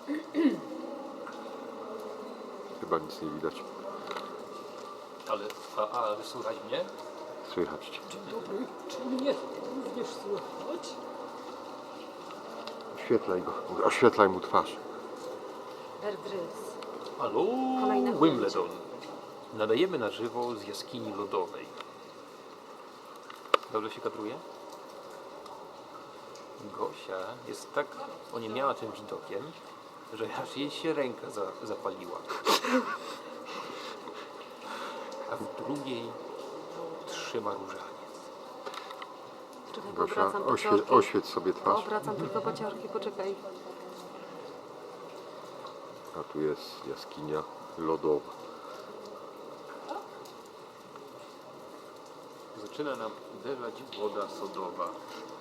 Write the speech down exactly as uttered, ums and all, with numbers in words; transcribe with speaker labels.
Speaker 1: Chyba nic nie widać.
Speaker 2: Ale, a, a, ale słychać mnie?
Speaker 1: Słychać cię.
Speaker 2: Dzień dobry. Czy mnie również słychać?
Speaker 1: Oświetlaj go. Oświetlaj mu twarz.
Speaker 3: Berdrys.
Speaker 2: Halo,
Speaker 3: Kolejne
Speaker 2: Wimbledon. Nadajemy na żywo z jaskini lodowej. Dobrze się kadruje? Gosia jest tak oniemiała tym widokiem, że aż jej się ręka za, zapaliła. A w drugiej trzyma różaniec.
Speaker 3: Czekaj,
Speaker 1: Gosia,
Speaker 3: obracam
Speaker 1: oświe
Speaker 3: pociorki.
Speaker 1: oświeć sobie twarz.
Speaker 3: Obracam tylko pociorki, poczekaj.
Speaker 1: A tu jest jaskinia lodowa.
Speaker 2: Zaczyna nam uderzać woda sodowa.